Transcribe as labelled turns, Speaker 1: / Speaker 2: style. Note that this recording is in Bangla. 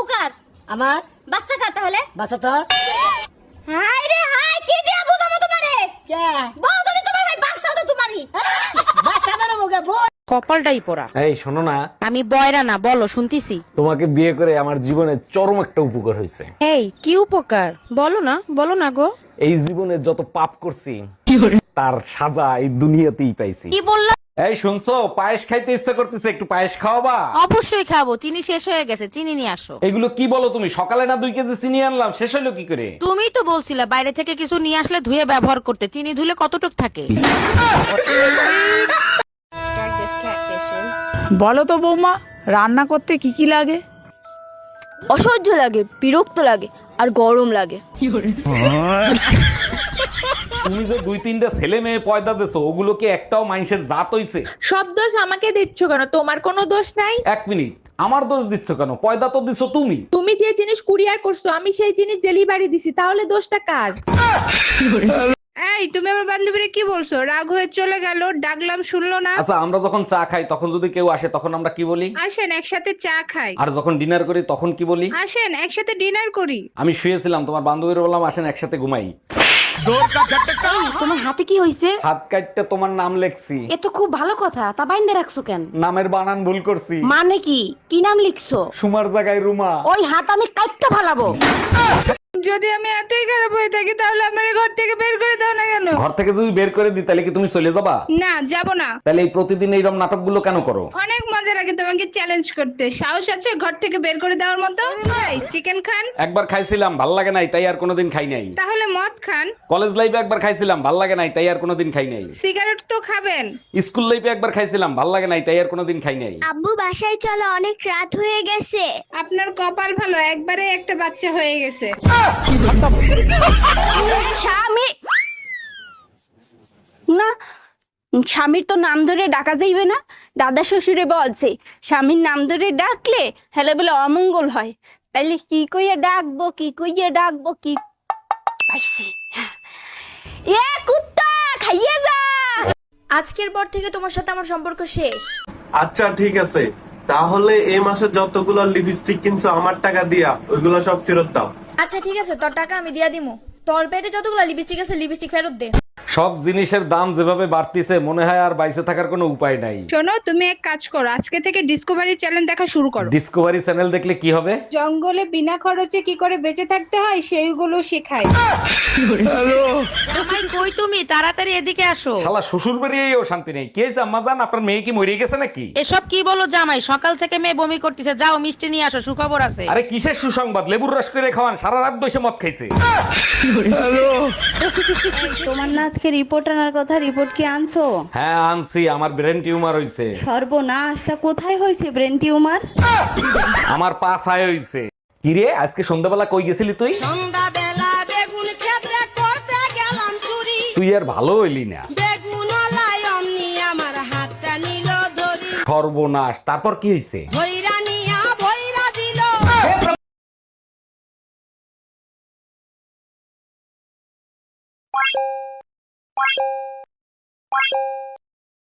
Speaker 1: কার?
Speaker 2: আমার
Speaker 1: বাচ্চা কার তাহলে?
Speaker 2: বাসা তো
Speaker 1: হাই রে হাই, কি দিয়া বুঝাবো তোমারে?
Speaker 2: কে
Speaker 1: বল যদি তোমার ভাই বাচ্চা তো তোমারই।
Speaker 2: বাসা বেরো মুখে বল।
Speaker 3: কপালটাই পোড়া।
Speaker 4: এই শোনো না,
Speaker 3: আমি বয়রা না, বলো শুনতিছি।
Speaker 4: তোমাকে বিয়ে করে আমার জীবনে চরম একটা উপকার হয়েছে।
Speaker 3: এই কি উপকার? বলো না গো।
Speaker 4: এই জীবনে যত পাপ করছি তার সাজা এই দুনিয়াতেই পাইছি।
Speaker 3: কি বললা?
Speaker 4: এই শুনছো, পায়েস খাইতে ইচ্ছা করতেছে, একটু পায়েস খাওয়াবা?
Speaker 3: অবশ্যই খাবো, চিনি শেষ হয়ে গেছে, চিনি নিয়ে আসো।
Speaker 4: এগুলো কি বলো তুমি? সকালে না 2 কেজি চিনি আনলাম, শেষ হলো কি করে?
Speaker 3: তুমি তো বলছিলে বাইরে থেকে কিছু নিয়ে আসলে ধুয়ে ব্যবহার করতে, চিনি ধুলে কতটুক থাকে?
Speaker 5: বলো তো বৌমা, রান্না করতে কি কি লাগে?
Speaker 6: অসহ্য লাগে, বিরক্ত লাগে, আর গরম লাগে।
Speaker 4: তুমি যে 2-3টা ছেলে মেয়ে পয়দা দেছো, ওগুলো কি একটাও মানুষের জাত হইছে?
Speaker 7: সব দোষ আমাকে দিচ্ছ কেন? তোমার কোনো দোষ নাই।
Speaker 4: 1 মিনিট, আমার দোষ দিচ্ছ কেন? পয়দা তো দিছো তুমি।
Speaker 7: তুমি যে জিনিস কুরিয়ার করছো আমি সেই জিনিস ডেলিভারি দিছি, তাহলে দোষটা কার? এই তুমি আমার বান্ধবীরে কি বলছো? রাগ হয়ে চলে গেল, ডাকলাম শুনলো না।
Speaker 4: আচ্ছা, আমরা যখন চা খাই তখন যদি কেউ আসে তখন আমরা কি বলি?
Speaker 7: আসেন একসাথে চা খাই।
Speaker 4: আর যখন ডিনার করি তখন কি বলি?
Speaker 7: আসেন একসাথে ডিনার করি।
Speaker 4: আমি শুয়েছিলাম, তোমার বান্ধবীর বললাম আসেন একসাথে ঘুমাই।
Speaker 3: তোমার হাতে কি হইছে?
Speaker 4: হাত কাটতে তোমার নাম লেখছি।
Speaker 3: এ তো খুব ভালো কথা, তা বাইন্দে রাখছো কেন?
Speaker 4: নামের বানান ভুল করছি,
Speaker 3: মানে কি? কি নাম লিখছো?
Speaker 4: সুমার জায়গায় রুমা।
Speaker 3: ওই হাত আমি কাটতে ফালাবো।
Speaker 7: যদি আমি এতই খারাপ হয়ে থাকি তাহলে আমার ঘর থেকে বের করে দাও না কেন?
Speaker 4: ঘর থেকে যদি বের করে দিই তাহলে কি তুমি চলে যাবা?
Speaker 7: না, যাব না।
Speaker 4: তাহলে এই প্রতিদিন এইরকম নাটকগুলো কেন করো?
Speaker 7: অনেক মজা লাগে তোমাকে চ্যালেঞ্জ করতে। সাহস আছে ঘর থেকে বের করে দেওয়ার মতো? চিকেন খান?
Speaker 4: একবার খাইছিলাম, ভাল লাগে নাই, তাই আর কোনোদিন খাই নাই।
Speaker 7: তাহলে মদ খান?
Speaker 4: কলেজ লাইফে একবার খাইছিলাম, ভাল লাগে নাই, তাই আর কোনোদিন খাই নাই।
Speaker 7: সিগারেট তো খাবেন?
Speaker 4: স্কুল লাইফে একবার খাইছিলাম, ভাল লাগে নাই, তাই আর কোনোদিন খাই নাই।
Speaker 1: আব্বু বাসায় চলো, অনেক রাত হয়ে গেছে।
Speaker 7: আপনার কপাল ভালো, একবারে একটা বাচ্চা হয়ে গেছে।
Speaker 6: স্বামী না, স্বামীর তো নাম ধরে ডাকা যাইবে না। দাদা শ্বশুরে বলছে স্বামীর নাম ধরে ডাকলে হেলে বলে অমঙ্গল হয়। তাইলে কি কইয়া ডাকবো, কি কইয়া ডাকবো, কি পাইছি। এ কুত্তা খাইয়ে যা।
Speaker 8: আজকের পর থেকে তোমার সাথে আমার সম্পর্ক শেষ।
Speaker 9: আচ্ছা ঠিক আছে, তাহলে এই মাসে যতগুলো লিপস্টিক কিনছো আমার টাকা দিয়া ওইগুলো সব ফেরত দাও।
Speaker 8: আচ্ছা ঠিক আছে, তোর টাকা আমি দিয়া দিমু। তোর পেটে যতগুলো লিপস্টিক আছে লিপস্টিক ফেরত দে।
Speaker 4: সব জিনিসের দাম যেভাবে বাড়তিছে, মনে হয় আর বাইসে থাকার কোনো উপায় নাই।
Speaker 7: শোনো, তুমি এক কাজ করো, আজকে থেকে ডিসকভারি চ্যানেল দেখা শুরু করো।
Speaker 4: ডিসকভারি চ্যানেল দেখলে কি হবে?
Speaker 7: জঙ্গলে বিনা খরচে কি করে বেঁচে থাকতে হয় সেইগুলো শেখায়।
Speaker 3: জামাই কই তুমি? তাড়াতাড়ি এদিকে আসো।
Speaker 4: শালা শ্বশুর বাড়িয়েও শান্তি নেই। কে জাম্মা জান, আপনার মেয়ে কি মরে গেছে নাকি?
Speaker 3: এসব কি বলো জামাই? সকাল থেকে মেয়ে বমি করতেছে, যাও মিষ্টি নিয়ে আসো, সুখবর আছে।
Speaker 4: আরে কিসের সুসংবাদ? লেবুর রস করে খাওয়ান, সারা রাত বসে মদ খাইছে।
Speaker 10: তোমার না আজকে রিপোর্ট আনার কথা, রিপোর্ট কি আনছো?
Speaker 4: হ্যাঁ আনছি, আমার ব্রেন টিউমার হইছে।
Speaker 10: সর্বনাশ, তা কোথায় হয়েছে ব্রেন টিউমার?
Speaker 4: আমার পা ছায় হইছে। কিরে, আজকে সন্ধ্যাবেলা কই গেছিলি তুই?
Speaker 1: সন্ধ্যাবেলা বেগুন ক্ষেত্রে করতে গেলাম চুরি।
Speaker 4: তুই আর ভালো হইলি না।
Speaker 1: বেগুন লাই অমনি আমার হাতটা নিল ধরি।
Speaker 4: সর্বনাশ, তারপর কি হইছে?
Speaker 1: হই